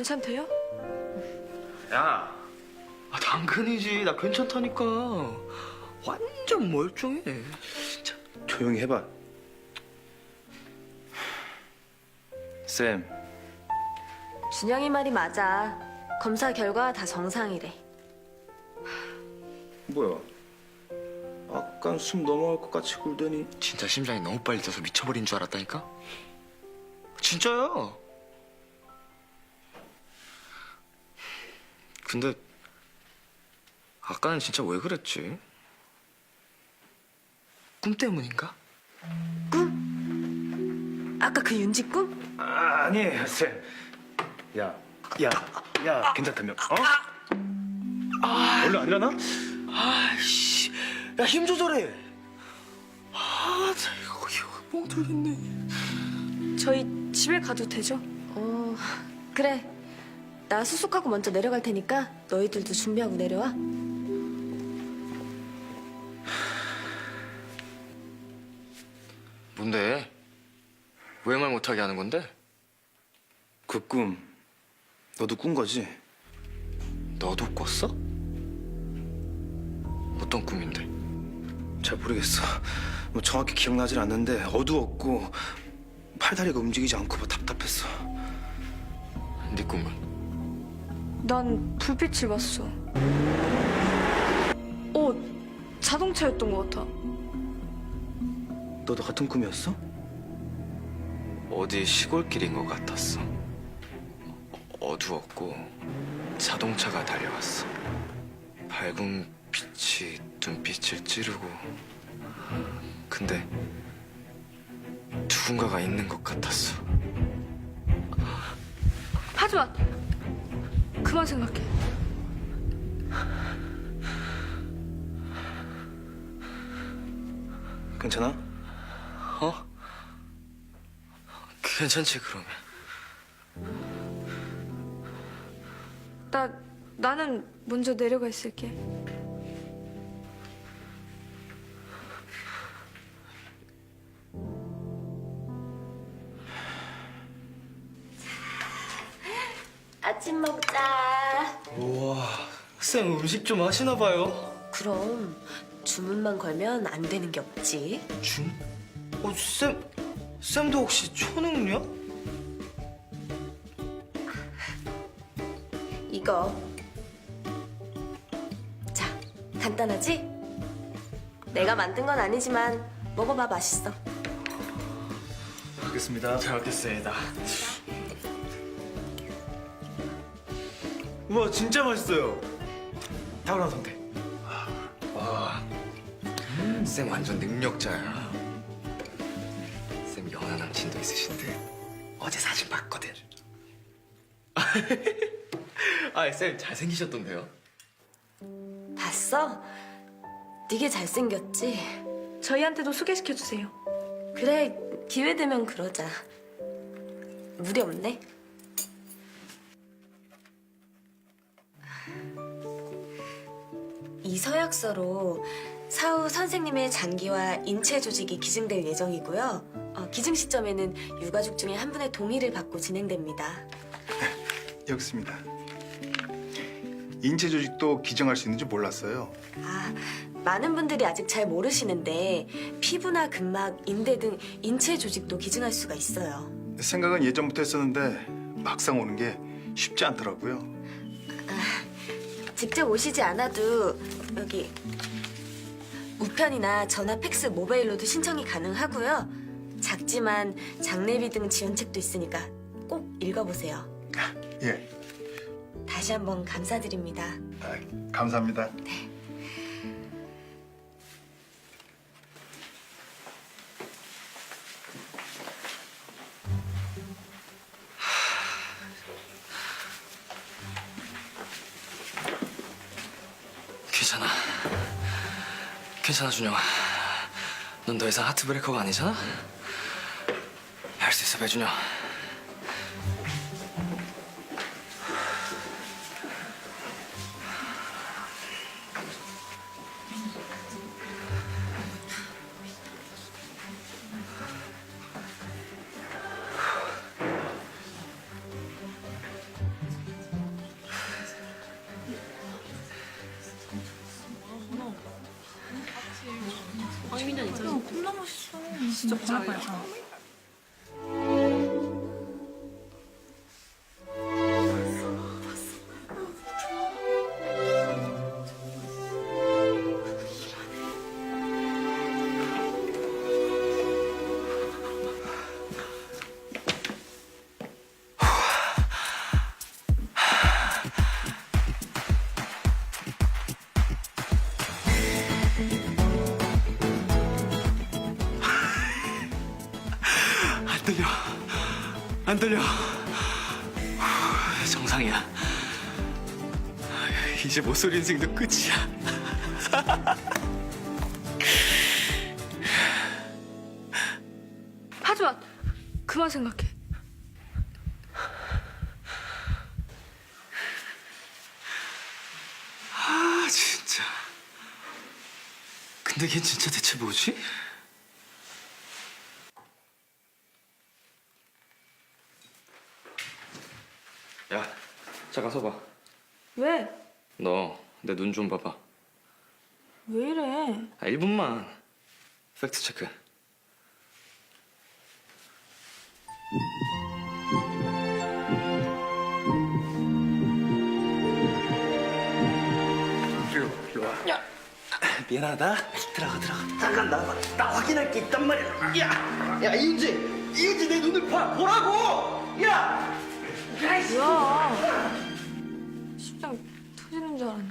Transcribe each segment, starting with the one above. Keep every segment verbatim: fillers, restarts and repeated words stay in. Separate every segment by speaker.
Speaker 1: 괜찮대요?
Speaker 2: 야, 아, 당근이지. 나 괜찮다니까. 완전 멀쩡해. 진짜.
Speaker 3: 조용히 해봐. 쌤,
Speaker 4: 준영이 말이 맞아. 검사 결과 다 정상이래.
Speaker 3: 뭐야? 아깐 숨 넘어갈 것 같이 굴더니.
Speaker 2: 진짜 심장이 너무 빨리 뛰어서 미쳐버린 줄 알았다니까? 진짜야. 근데 아까는 진짜 왜 그랬지? 꿈 때문인가?
Speaker 4: 아까 그 윤지 꿈?
Speaker 3: 아, 아니에요, 쌤. 야, 야, 야, 괜찮다며? 어? 아, 원래 안 일어나?
Speaker 2: 아이씨, 야, 힘 조절해. 아, 나 이거, 이거 멍들겠네.
Speaker 1: 저희 집에 가도 되죠?
Speaker 4: 어, 그래. 나 수속하고 먼저 내려갈 테니까 너희들도 준비하고 내려와.
Speaker 2: 뭔데? 왜 말 못하게 하는 건데?
Speaker 3: 그 꿈, 너도 꾼 거지?
Speaker 2: 너도 꿨어? 어떤 꿈인데?
Speaker 3: 잘 모르겠어. 뭐 정확히 기억나질 않는데 어두웠고 팔다리가 움직이지 않고 뭐 답답했어.
Speaker 2: 네 꿈은?
Speaker 1: 난 불빛을 봤어. 어, 자동차였던 것 같아.
Speaker 3: 너도 같은 꿈이었어?
Speaker 2: 어디 시골길인 것 같았어. 어두웠고 자동차가 달려왔어. 밝은 빛이 눈빛을 찌르고, 근데 누군가가 있는 것 같았어.
Speaker 1: 하지 마. 그만 생각해.
Speaker 3: 괜찮아?
Speaker 2: 어? 괜찮지 그러면.
Speaker 1: 나 나는 먼저 내려가 있을게.
Speaker 4: 아침 먹자.
Speaker 2: 우와, 쌤 음식 좀 하시나 봐요.
Speaker 4: 그럼 주문만 걸면 안 되는 게 없지.
Speaker 2: 준? 어, 쌤, 쌤도 혹시 초능력?
Speaker 4: 이거. 자, 간단하지? 내가 만든 건 아니지만 먹어봐, 맛있어.
Speaker 3: 알겠습니다.
Speaker 2: 잘 먹겠습니다. 우와, 진짜 맛있어요. 탁월한 선택. 와, 음, 쌤 완전 능력자야. 쌤 연하 남친도 있으신데 어제 사진 봤거든. 아, 쌤 잘생기셨던데요?
Speaker 4: 봤어? 되게 잘생겼지?
Speaker 1: 저희한테도 소개시켜 주세요.
Speaker 4: 그래, 기회 되면 그러자. 무리 없네. 이 서약서로 사후 선생님의 장기와 인체 조직이 기증될 예정이고요. 어, 기증 시점에는 유가족 중에 한 분의 동의를 받고 진행됩니다.
Speaker 5: 여기 있습니다. 인체 조직도 기증할 수 있는지 몰랐어요.
Speaker 4: 아, 많은 분들이 아직 잘 모르시는데 피부나 근막, 인대 등 인체 조직도 기증할 수가 있어요.
Speaker 5: 생각은 예전부터 했었는데 막상 오는 게 쉽지 않더라고요.
Speaker 4: 직접 오시지 않아도 여기 우편이나 전화, 팩스, 모바일로도 신청이 가능하고요. 작지만 장례비 등 지원책도 있으니까 꼭 읽어보세요.
Speaker 5: 예,
Speaker 4: 다시 한번 감사드립니다.
Speaker 5: 아, 감사합니다.
Speaker 2: 괜찮아. 괜찮아, 준영아. 넌 더 이상 하트브레이커가 아니잖아? 할 수 있어, 배준영.
Speaker 6: 겁나 멋있어. 진짜 바라봐요.
Speaker 2: 안 떨려. 안 떨려. 후, 정상이야. 이제 모쏠 인생도 끝이야.
Speaker 1: 하지만 그만 생각해.
Speaker 2: 아 진짜. 근데 걔 진짜 대체 뭐지? 야, 잠깐 서봐.
Speaker 1: 왜?
Speaker 2: 너 내 눈 좀 봐봐.
Speaker 1: 왜 이래?
Speaker 2: 아, 일 분만. 팩트 체크. 일로, 일로 와. 야, 미안하다. 들어가, 들어가.
Speaker 7: 잠깐 나와. 나 확인할 게 있단 말이야. 야, 야 이은지, 이은지 내 눈을 봐, 보라고. 야,
Speaker 1: 뭐야? 심장 터지는 줄 알았네.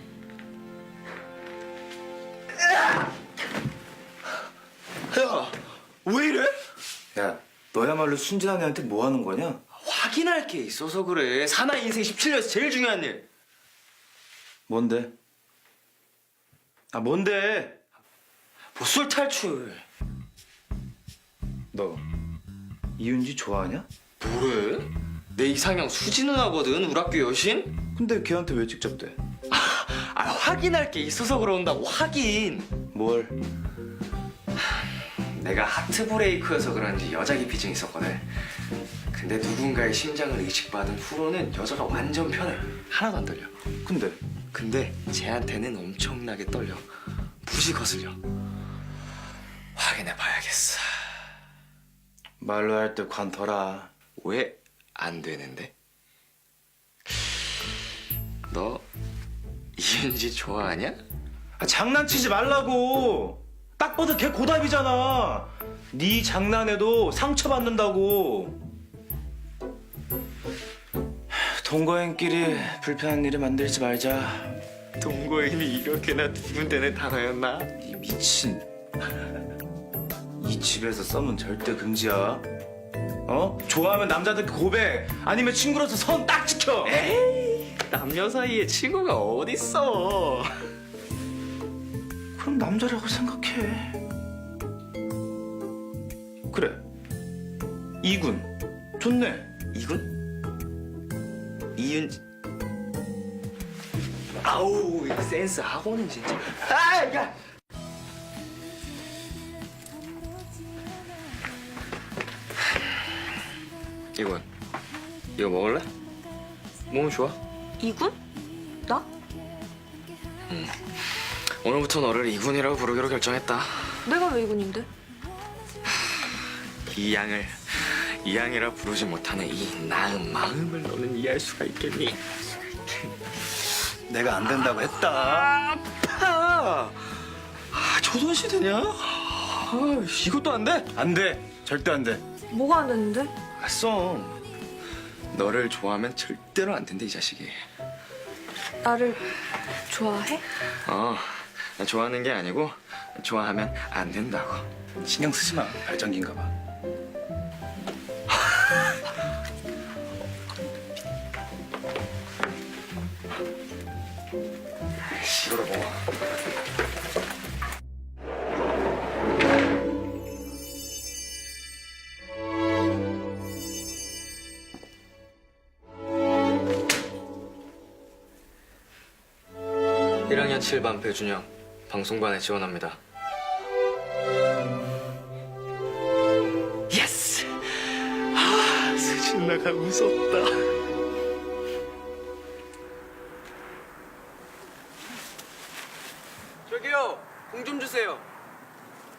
Speaker 2: 야, 왜 이래?
Speaker 3: 야, 너야말로 순진한 애한테 뭐 하는 거냐?
Speaker 2: 확인할 게 있어서 그래. 사나이 인생 십칠 년에서 제일 중요한 일.
Speaker 3: 뭔데? 아, 뭔데?
Speaker 2: 보술 탈출.
Speaker 3: 너 이윤지 좋아하냐?
Speaker 2: 뭐래? 내 이상형 수지 누나거든, 우리 학교 여신?
Speaker 3: 근데 걔한테 왜 직접 대?
Speaker 2: 아, 확인할 게 있어서 그런다고, 확인.
Speaker 3: 뭘?
Speaker 2: 내가 하트 브레이크여서 그런지 여자 기피증 있었거든. 근데 누군가의 심장을 의식받은 후로는 여자가 완전 편해. 하나도 안 떨려.
Speaker 3: 근데
Speaker 2: 근데 쟤한테는 엄청나게 떨려. 무지 거슬려. 확인해 봐야겠어.
Speaker 3: 말로 할 때 관둬라.
Speaker 2: 왜 안 되는데? 너 이은지 좋아하냐?
Speaker 3: 아, 장난치지 말라고. 딱 봐도 걔 고답이잖아. 네 장난에도 상처받는다고. 동거인끼리 불편한 일을 만들지 말자.
Speaker 2: 동거인이 이렇게나 두근대는 단어였나?
Speaker 3: 이 미친. 이 집에서 썸은 절대 금지야. 어? 좋아하면 남자들 고백, 아니면 친구로서 선 딱 지켜.
Speaker 2: 에이, 남녀 사이에 친구가 어딨어.
Speaker 3: 그럼 남자라고 생각해. 그래. 이군. 좋네.
Speaker 2: 이군? 이은지. 아우, 이 센스 학원은 진짜. 아, 야. 이군, 이거 먹을래? 몸 좋아?
Speaker 1: 이군? 나?
Speaker 2: 오늘부터 너를 이군이라고 부르기로 결정했다.
Speaker 1: 내가 왜 이군인데?
Speaker 2: 이양을 이양이라 부르지 못하는 이 나은 마음을 너는 이해할 수가 있겠니?
Speaker 3: 내가 안 된다고 했다.
Speaker 2: 아파. 아, 조선시대냐? 아, 이것도 안 돼?
Speaker 3: 안 돼. 절대 안 돼.
Speaker 1: 뭐가 안 됐는데?
Speaker 2: 아, 썸. 너를 좋아하면 절대로 안 된대, 이 자식이.
Speaker 1: 나를 좋아해?
Speaker 2: 어, 나 좋아하는 게 아니고 좋아하면 안 된다고.
Speaker 3: 신경 쓰지 마. 발전기인가 봐.
Speaker 2: 이거를 먹어. 일 학년 칠 반 배준영, 방송반에 지원합니다. 예스! 아, 수진 나가 웃었다.
Speaker 8: 저기요, 공 좀 주세요.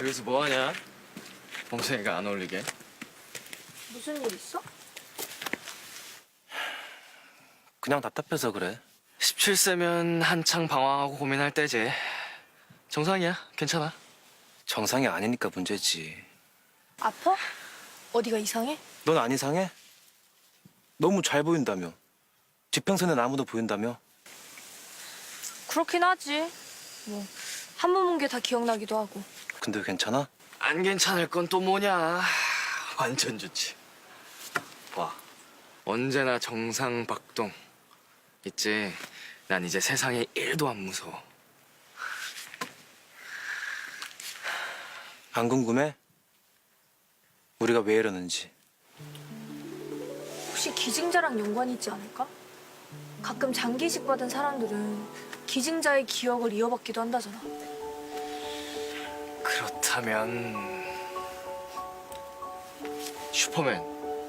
Speaker 2: 여기서 뭐 하냐? 범생이가 안 어울리게.
Speaker 1: 무슨 일 있어?
Speaker 3: 그냥 답답해서 그래.
Speaker 2: 십칠 세면 한창 방황하고 고민할 때지. 정상이야. 괜찮아.
Speaker 3: 정상이 아니니까 문제지.
Speaker 1: 아파? 어디가 이상해?
Speaker 3: 넌 안 이상해? 너무 잘 보인다며. 지평선에 나무도 보인다며.
Speaker 1: 그렇긴 하지. 뭐 한 번 본 게 다 기억나기도 하고.
Speaker 3: 근데 괜찮아?
Speaker 2: 안 괜찮을 건 또 뭐냐. 완전 좋지. 와. 언제나 정상 박동. 있지. 난 이제 세상에 일도 안 무서워.
Speaker 3: 안 궁금해? 우리가 왜 이러는지.
Speaker 1: 혹시 기증자랑 연관이 있지 않을까? 가끔 장기식 받은 사람들은 기증자의 기억을 이어받기도 한다잖아.
Speaker 2: 그렇다면 슈퍼맨,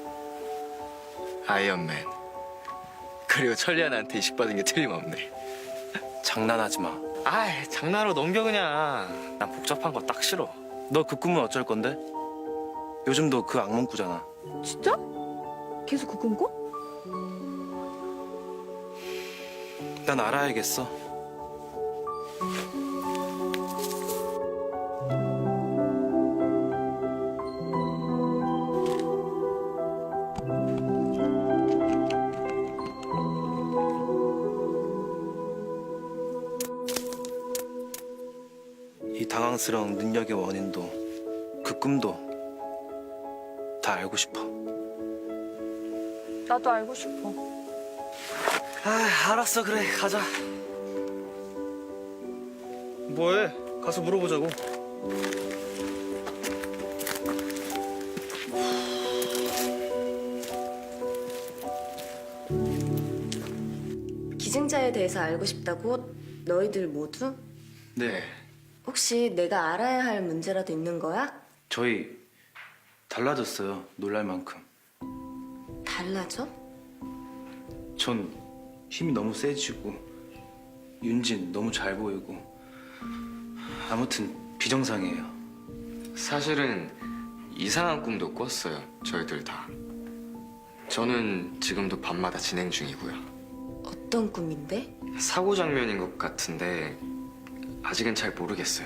Speaker 2: 아이언맨, 그리고 천리안한테 이식받은 게 틀림없네.
Speaker 3: 장난하지 마.
Speaker 2: 아이, 장난으로 넘겨 그냥. 난 복잡한 거 딱 싫어.
Speaker 3: 너 그 꿈은 어쩔 건데? 요즘도 그 악몽 꾸잖아.
Speaker 1: 진짜? 계속 그 꿈 꿔?
Speaker 3: 난 알아야겠어. 이 당황스러운 능력의 원인도 그 꿈도 다 알고 싶어.
Speaker 1: 나도 알고 싶어.
Speaker 2: 아, 알았어. 그래, 가자.
Speaker 3: 뭐해? 가서 물어보자고.
Speaker 4: 기증자에 대해서 알고 싶다고? 너희들 모두?
Speaker 2: 네.
Speaker 4: 혹시 내가 알아야 할 문제라도 있는 거야?
Speaker 3: 저희 달라졌어요. 놀랄 만큼.
Speaker 4: 달라져?
Speaker 3: 전 힘이 너무 세지고 윤진 너무 잘 보이고 아무튼 비정상이에요.
Speaker 2: 사실은 이상한 꿈도 꿨어요. 저희들 다. 저는 지금도 밤마다 진행 중이고요.
Speaker 4: 어떤 꿈인데?
Speaker 2: 사고 장면인 것 같은데 아직은 잘 모르겠어요.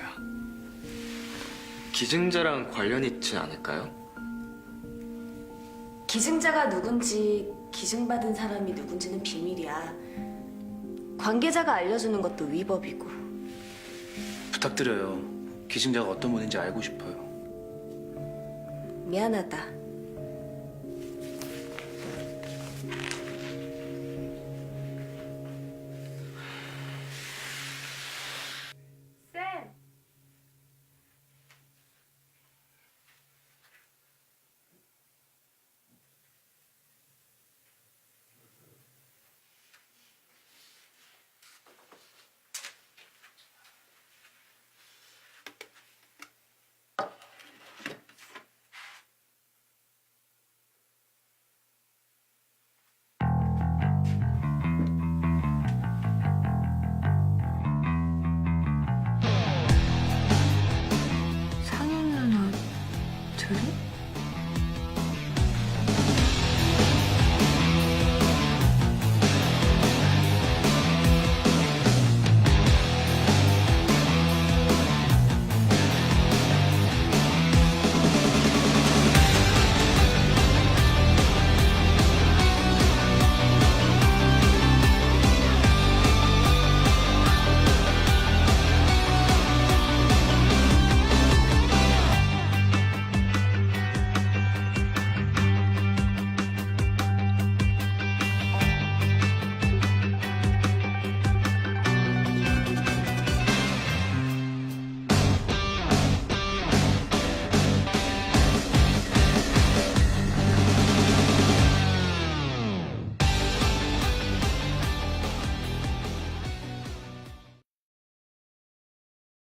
Speaker 2: 기증자랑 관련이 있지 않을까요?
Speaker 4: 기증자가 누군지 기증받은 사람이 누군지는 비밀이야. 관계자가 알려주는 것도 위법이고.
Speaker 3: 부탁드려요. 기증자가 어떤 분인지 알고 싶어요.
Speaker 4: 미안하다.